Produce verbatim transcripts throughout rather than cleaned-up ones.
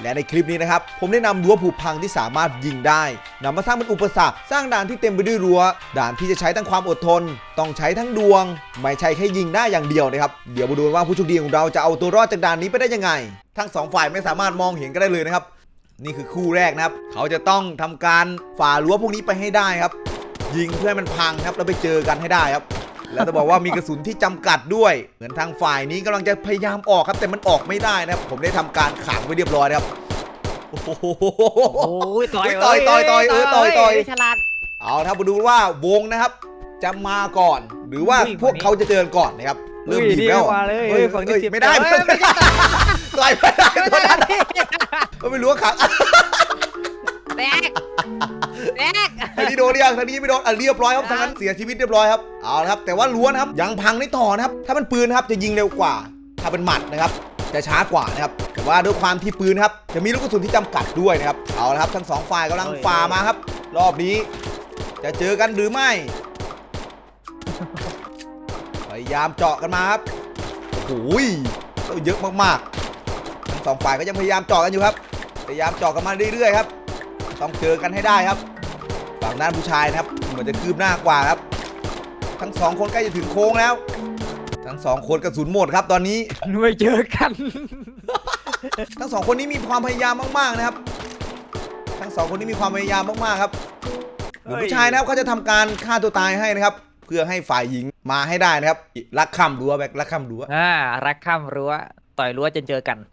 และในคลิปนี้นะครับผมได้นำรั้วผุพังที่สามารถยิงได้นำมาสร้างเป็นอุปสรรคสร้างด่านที่เต็มไปด้วยรั้วด่านที่จะใช้ทั้งความอดทนต้องใช้ทั้งดวงไม่ใช่แค่ยิงได้อย่างเดียวนะครับเดี๋ยวมาดูว่าผู้โชคดีของเราจะเอาตัวรอดจากด่านนี้ไปได้ยังไงทั้งสองฝ่ายไม่สามารถมองเห็นกันได้เลยนะครับนี่คือคู่แรกนะครับเขาจะต้องทำการฝ่ารั้วพวกนี้ไปให้ได้ครับยิงเพื่อให้มันพังครับแล้วไปเจอกันให้ได้ครับแล้วจะบอกว่ามีกระสุนที่จำกัดด้วยเหมือนทางฝ่ายนี้กำลังจะพยายามออกครับแต่มันออกไม่ได้นะครับผมได้ทำการขังไว้เรียบร้อยครับโอ้โหต่อยต่อยต่อยต่อยเออต่อยต่อยฉลาดเอาครับมาดูว่าวงนะครับจะมาก่อนหรือว่าพวกเขาจะเจอก่อนนะครับเริ่มดีแล้วเฮ้ยไม่ได้ไม่ได้ต่อยไม่ได้ตัวนั้นไม่รู้ว่าขังแตกแตกทางนี้โดนยังทางนี้ไม่โดนอ่ะเรียบร้อยครับทางนั้นเสียชีวิตเรียบร้อยครับเอาละครับแต่ว่าล้วนครับยังพังได้ต่อนะครับถ้าเป็นปืนครับจะยิงเร็วกว่าถ้าเป็นหมัดนะครับจะช้ากว่านะครับแต่ว่าด้วยความที่ปืนครับจะมีลูกกระสุนที่จำกัดด้วยนะครับเอาละครับทั้งสองฝ่ายกำลังฝ่ามาครับรอบนี้จะเจอกันหรือไม่พยายามเจาะกันมาครับโอ้ยเยอะมากๆทั้งสองฝ่ายก็ยังพยายามเจาะกันอยู่ครับพยายามเจาะกันมาเรื่อยๆครับต้องเจอกันให้ได้ครับฝั่งด้านผู้ชายนะครับเหมือนจะคืบหน้ากว่าครับทั้งสองคนใกล้จะถึงโค้งแล้วทั้งสองคนกระสุนหมดครับตอนนี้ไม่เจอกันทั้งสองคนนี้มีความพยายามมากๆนะครับทั้งสองคนนี้มีความพยายามมากๆครับผู้ชายนะครับเขาจะทำการฆ่าตัวตายให้นะครับเพื่อให้ฝ่ายหญิงมาให้ได้นะครับรักข้ามรั้วแบกรักข้ามรั้วอ่ารักข้ามรั้วต่อยรั้วจนเจอกัน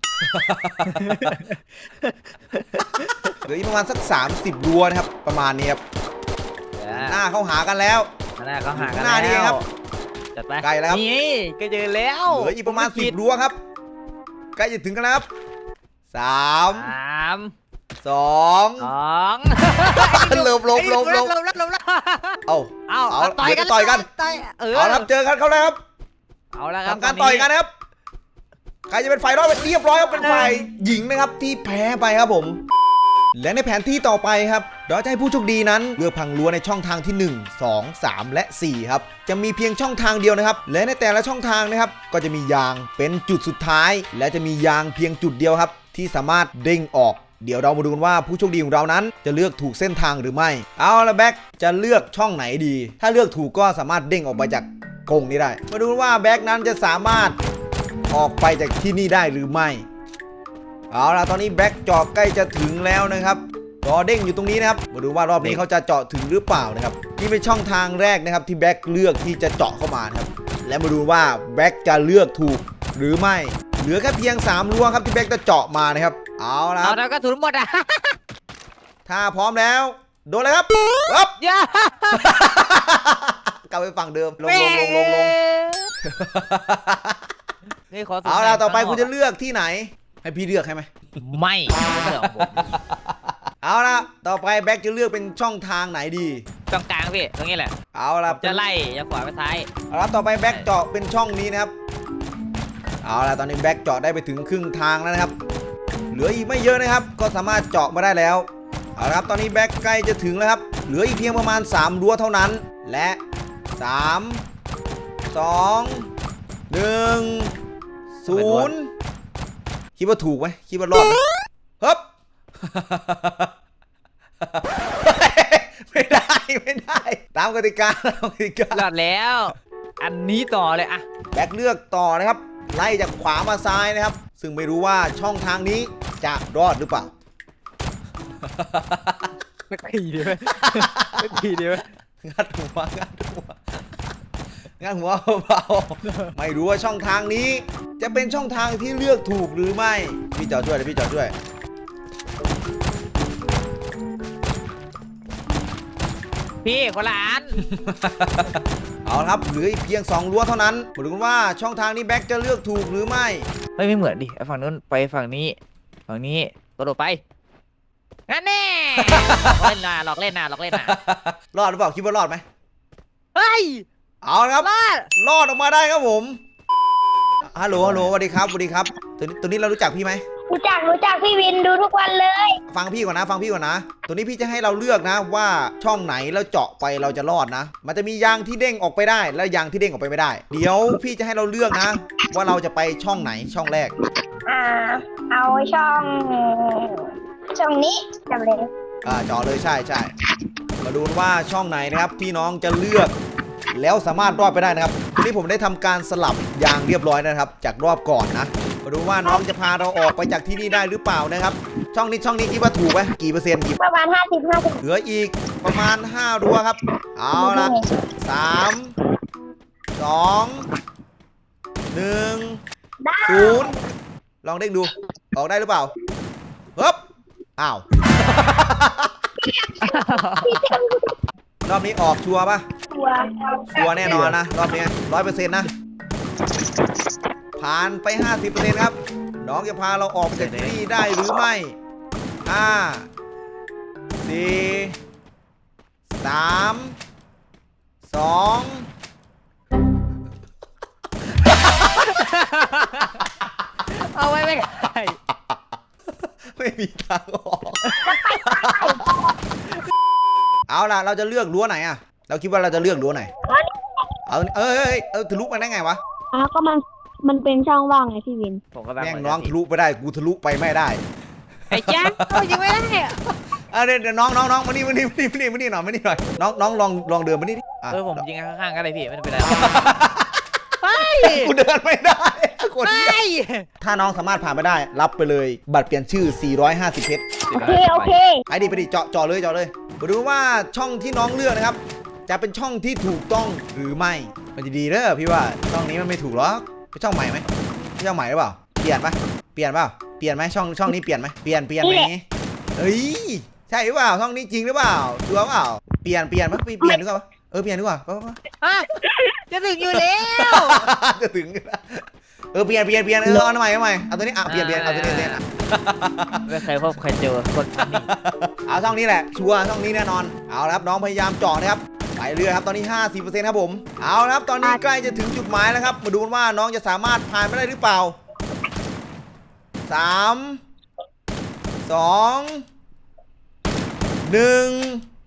เหลืออีกประมาณสักสามสิบรั้วนะครับประมาณนี้ครับหน้าเขาหากันแล้วหน้าเขาหากันหน้านี่ครับจัดไปใกล้แล้วนี่ก็เจอแล้วเหลืออีกประมาณสิบรั้วครับใกล้จะถึงกันแล้วครับสามสามสองสองหลบหลบหลบหลบหลบหลบเอาเอาเอาต่อยกันต่อยกันเอาครับเจอกันเขาแล้วครับเอาแล้วครับทำการต่อยกันนะครับใครจะเป็นฝ่ายรอดเรียบร้อยครับเป็นฝ่ายหญิงนะครับที่แพ้ไปครับผมและในแผนที่ต่อไปครับเราจะให้ผู้โชคดีนั้นเลือกพังรั้วในช่องทางที่หนึ่ง สอง สาม และ สี่ครับจะมีเพียงช่องทางเดียวนะครับและในแต่ละช่องทางนะครับก็จะมียางเป็นจุดสุดท้ายและจะมียางเพียงจุดเดียวครับที่สามารถเด้งออกเดี๋ยวเรามาดูกันว่าผู้โชคดีของเรานั้นจะเลือกถูกเส้นทางหรือไม่เอาละแบ็คจะเลือกช่องไหนดีถ้าเลือกถูกก็สามารถเด้งออกไปจากกรงนี้ได้มาดูว่าแบ็คนั้นจะสามารถออกไปจากที่นี่ได้หรือไม่เอาล่ะตอนนี้แบ็คเจาะใกล้จะถึงแล้วนะครับรอเด้งอยู่ตรงนี้นะครับมาดูว่ารอบนี้เขาจะเจาะถึงหรือเปล่านะครับนี่เป็นช่องทางแรกนะครับที่แบ็คเลือกที่จะเจาะเข้ามานะครับและมาดูว่าแบ็คจะเลือกถูกหรือไม่เหลือแค่เพียงสามรั้วครับที่แบ็คจะเจาะมานะครับเอาล่ะเอาแล้วก็ถุนหมดอ่ะถ้าพร้อมแล้วโดนเลยครับปั๊บย่ากลับไปฝั่งเดิมลงลงลงลงลงนี่ขอเอาล่ะต่อไปคุณจะเลือกที่ไหนให้พี่เลือกให้ไหมไม่เลือกผมเอาล่ะต่อไปแบ็คจะเลือกเป็นช่องทางไหนดีตรงกลางพี่ตรงนี้แหละเอาล่ะจะไล่จะขวาไปซ้ายเอาล่ะต่อไปแบ็คเจาะเป็นช่องนี้นะครับเอาล่ะตอนนี้แบ็คเจาะได้ไปถึงครึ่งทางแล้วนะครับเหลืออีกไม่เยอะนะครับก็สามารถเจาะมาได้แล้วเอาละครับตอนนี้แบ็คใกล้จะถึงแล้วครับเหลืออีกเพียงประมาณสามรั้วเท่านั้นและสาม สอง หนึ่ง ศูนย์คิดว่าถูกไหมคิดว่ารอดไหมฮึบไม่ได้ไม่ได้ตามกติกาตามกติการอดแล้วอันนี้ต่อเลยอะแบ็คเลือกต่อนะครับไล่จากขวามาซ้ายนะครับซึ่งไม่รู้ว่าช่องทางนี้จะรอดหรือเปล่าไม่ตีดีไหมไม่ตีดีไหมงัดหัวงัดหัวงัดหัวเบาๆไม่รู้ว่าช่องทางนี้จะเป็นช่องทางที่เลือกถูกหรือไม่พี่จอดช่วยเลยพี่จอดช่วยพี่คนละอันเอาครับเหลืออีกเพียงสองรั้วเท่านั้นมาดูกันว่าช่องทางนี้แบ็คจะเลือกถูกหรือไม่ไม่ไม่เหมือนดิฝั่งนู้นไปฝั่งนี้ฝั่งนี้กระโดดไปงั้นแน่เล่นนะหลอกเล่นนะหลอกเล่นนะรอดหรือเปล่าคิดว่ารอดไหมเฮ้ยเอาครับรอดรอดออกมาได้ครับผมฮัลโหลฮัลโหลสวัสดีครับสวัสดีครับตัวนี้ตัวนี้เรารู้จักพี่ไหมรู้จักรู้จักพี่วินดูทุกวันเลยฟังพี่ก่อนนะฟังพี่ก่อนนะ ตัวนี้พี่จะให้เราเลือกนะว่าช่องไหนแล้วเจาะไปเราจะรอดนะ มันจะมียางที่เด้งออกไปได้แล้วยางที่เด้งออกไปไม่ได้ เดี๋ยวพี่จะให้เราเลือกนะ ว่าเราจะไปช่องไหนช่องแรกอ่าเอาช่อง ช่องนี้จำเลยอ่าเจาะเลยใช่ใช่มาดูว่าช่องไหนนะครับที่น้องจะเลือก แล้วสามารถรอดไปได้นะครับทีนี้ผมได้ทำการสลับยางเรียบร้อยนะครับ จากรอบก่อนนะมาดูว่าน้องจะพาเราออกไปจากที่นี่ได้หรือเปล่านะครับ ช่องนี้ช่องนี้คิดว่าถูกไหมกี่เปอร์เซ็นต์กี่ประมาณห้าสิบห้าสิบเหลืออีกประมาณห้ารัวครับ เอาละสามสองหนึ่งศูนย์ลองเด้งดู ออกได้หรือเปล่าเฮ้บอ้าว รอบนี้ออกชัวร์ปะตัวชัวร์แน่นอนนะ รอบนี้ร้อยเปอร์เซ็นต์นะ ผ่านไป ห้าสิบเปอร์เซ็นต์ ครับ น้องจะพาเราออกจากที่นี่ได้หรือไม่ห้าสี่สามสองเอาไว้ไม่ได้ไม่มีทางออก เอาล่ะ เราจะเลือกรั้วไหนอะเราคิดว่าเราจะเลือกรั้วไหน เอาเอ้ยเอ้ยเออทะลุมาได้ไงวะอ่ะก็มันมันเป็นช่องว่างไงพี่วินผมก็แบบแม่งน้องทะลุไปได้ กูทะลุไปไม่ได้ไอ้จ้าเอายิงไม่ได้อะอ่ะเดี๋ยวเดี๋ยวน้องน้องน้องมานี่มานี่มานี่มานี่มานี่หน่อยมานี่หน่อยน้องน้องลองลองเดินมานี่ดิอ่ะเออผมยิงข้างๆก็ได้พี่ไม่เป็นไรไปกูเดินไม่ได้คนไปเดียวถ้าน้องสามารถผ่านไปได้ รับไปเลยบัตรเปลี่ยนชื่อ สี่ร้อยห้าสิบ เพชรโอเคโอเคไปดิไปดิเจาะเจาะเลยเจาะเลยมาดูว่าช่องที่น้องเลือกนะครับ จะเป็นช่องที่ถูกต้องหรือไม่มันจะดีเด้อพี่ว่าช่องนี้มันไม่ถูกหรอกเป็นช่องใหม่ไหมเป็นช่องใหม่หรือเปล่าเปลี่ยนปะเปลี่ยนเปล่าเปลี่ยนไหมช่องช่องนี้เปลี่ยนไหมเปลี่ยนเปลี่ยนไหมเฮ้ยใช่หรือเปล่าช่องนี้จริงหรือเปล่าชัวร์เปล่าเปลี่ยนเปลี่ยนปะเปลี่ยนหรือเปล่าเออเปลี่ยนดีกว่าปะปะอ่ะจะถึงอยู่แล้วจะถึงเออเปลี่ยนเปลี่ยนเปลี่ยนเออเอาใหม่เอาใหม่เอาตัวนี้อ่ะเปลี่ยนเปลี่ยนเอาตัวนี้เปลี่ยนไม่เคยพบเคยเจอคนนี้เอาช่องนี้แหละชัวร์ช่องนี้แน่นอนเอาละครับน้องพยายามเจาะนะครับไปเรื่อยครับตอนนี้ ห้าสิบเปอร์เซ็นต์ ครับผมเอาละครับตอนนี้ใกล้จะถึงจุดหมายแล้วครับมาดูกันว่าน้องจะสามารถผ่านไปได้หรือเปล่าสามสองหนึ่ง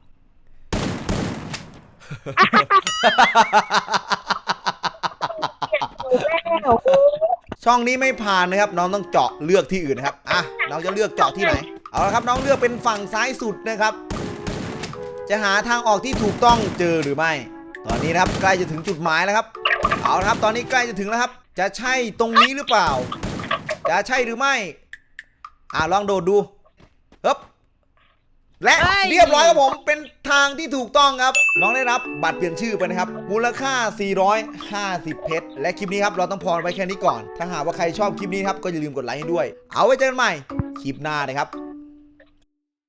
ช่องนี้ไม่ผ่านนะครับน้องต้องเจาะเลือกที่อื่นนะครับอ่ะน้องจะเลือกเจาะที่ไหนเอาละครับน้องเลือกเป็นฝั่งซ้ายสุดนะครับ จะหาทางออกที่ถูกต้องเจอหรือไม่ ตอนนี้นะครับใกล้จะถึงจุดหมายแล้วครับเอาละครับตอนนี้ใกล้จะถึงแล้วครับ จะใช่ตรงนี้หรือเปล่า จะใช่หรือไม่อ่ะลองโดดดูเฮ้บและเรียบร้อยครับผมเป็นทางที่ถูกต้องครับน้องได้รับบัตรเปลี่ยนชื่อไปนะครับมูลค่า สี่ร้อยห้าสิบ เพชรและคลิปนี้ครับเราต้องพอไว้แค่นี้ก่อนถ้าหากว่าใครชอบคลิปนี้ครับก็อย่าลืมกดไลค์ให้ด้วยเอาไว้เจอกันใหม่คลิปหน้านะครับ